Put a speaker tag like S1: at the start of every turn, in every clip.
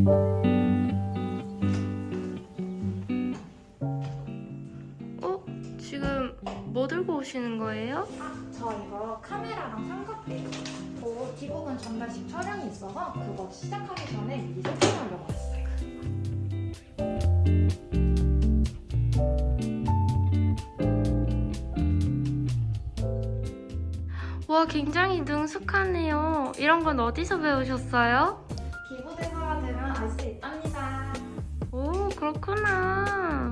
S1: 지금 뭐 들고 오시는 거예요?
S2: 저 이거 카메라랑 삼각대요. 기부금 전달식 촬영이 있어서 그거 시작하기 전에 미리 세팅하려고 했어요.
S1: 와, 굉장히 능숙하네요. 이런 건 어디서 배우셨어요?
S2: 기부대사가 되면 알 수 있답니다.
S1: 오, 그렇구나.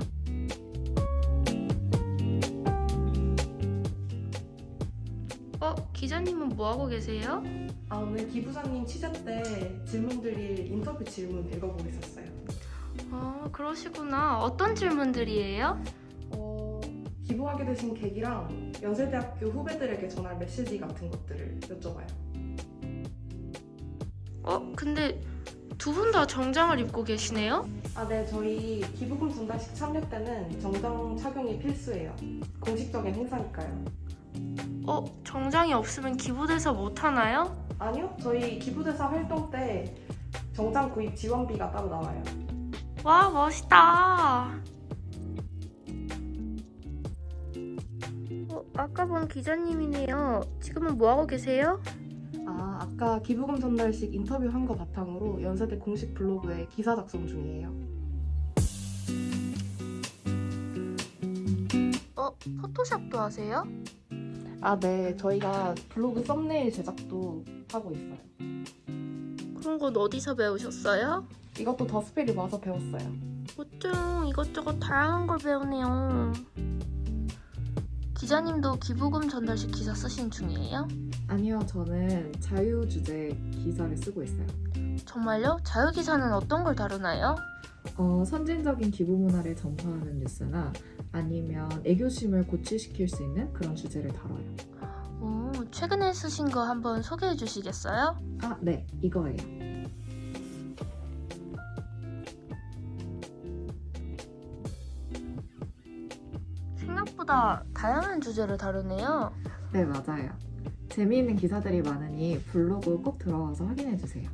S1: 기자님은 뭐 하고 계세요?
S3: 오늘 기부사님 취재 때 질문드릴 인터뷰 질문 읽어보고 있었어요.
S1: 그러시구나. 어떤 질문들이에요?
S3: 기부하게 되신 계기랑 연세대학교 후배들에게 전할 메시지 같은 것들을 여쭤봐요.
S1: 근데 두 분 다 정장을 입고 계시네요?
S3: 네, 저희 기부금 전달식 참여 때는 정장 착용이 필수예요. 공식적인 행사니까요.
S1: 정장이 없으면 기부대사 못 하나요?
S3: 아니요, 저희 기부대사 활동 때 정장 구입 지원비가 따로 나와요.
S1: 와, 멋있다. 아까 본 기자님이네요. 지금은 뭐 하고 계세요?
S3: 아까 기부금 전달식 인터뷰 한 거 바탕으로 연세대 공식 블로그에 기사 작성 중이에요.
S1: 포토샵도 하세요?
S3: 네, 저희가 블로그 썸네일 제작도 하고 있어요.
S1: 그런 건 어디서 배우셨어요?
S3: 이것도 더스펠이 와서 배웠어요.
S1: 어쩜 이것저것 다양한 걸 배우네요. 기자님도 기부금 전달식 기사 쓰신 중이에요?
S4: 아니요, 저는 자유 주제 기사를 쓰고 있어요.
S1: 정말요? 자유 기사는 어떤 걸 다루나요?
S4: 선진적인 기부 문화를 전파하는 뉴스나 아니면 애교심을 고취시킬 수 있는 그런 주제를 다뤄요.
S1: 최근에 쓰신 거 한번 소개해 주시겠어요?
S4: 네, 이거예요.
S1: 생각보다 다양한 주제를 다루네요.
S4: 네, 맞아요. 재미있는 기사들이 많으니 블로그 꼭 들어와서 확인해주세요.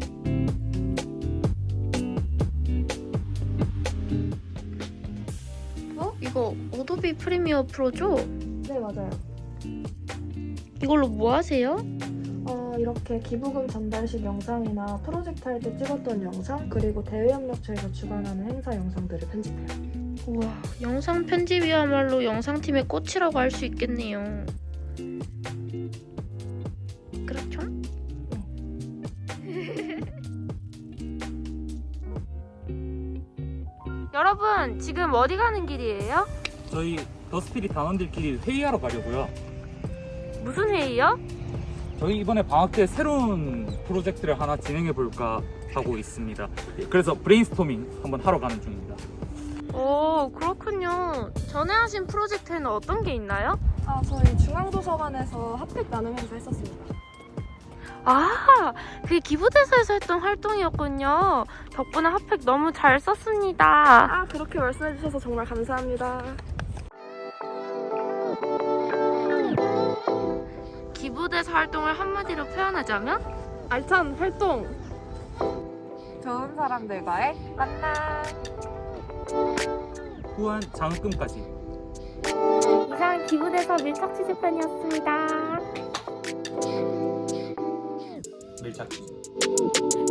S1: 이거 어도비 프리미어 프로죠?
S2: 네, 맞아요.
S1: 이걸로 뭐 하세요?
S2: 이렇게 기부금 전달식 영상이나 프로젝트 할 때 찍었던 영상, 그리고 대외협력처에서 주관하는 행사 영상들을 편집해요.
S1: 우와, 영상 편집이야말로 영상팀의 꽃이라고 할 수 있겠네요. 그렇죠? 여러분, 지금 어디 가는 길이에요?
S5: 저희 더스피릿 단원들끼리 회의하러 가려고요.
S1: 무슨 회의요?
S5: 저희 이번에 방학 때 새로운 프로젝트를 하나 진행해 볼까 하고 있습니다. 그래서 브레인스토밍 한번 하러 가는 중입니다.
S1: 그렇군요. 전에 하신 프로젝트에는 어떤 게 있나요?
S2: 저희 중앙도서관에서 핫팩 나눔 행사 했었습니다.
S1: 그게 기부대사에서 했던 활동이었군요. 덕분에 핫팩 너무 잘 썼습니다.
S2: 그렇게 말씀해주셔서 정말 감사합니다.
S1: 기부대사 활동을 한마디로 표현하자면?
S2: 알찬 활동!
S4: 좋은 사람들과의 만남!
S5: 후한 장학금까지.
S1: 이상 기부대사 밀착 취재편이었습니다.
S5: 밀착.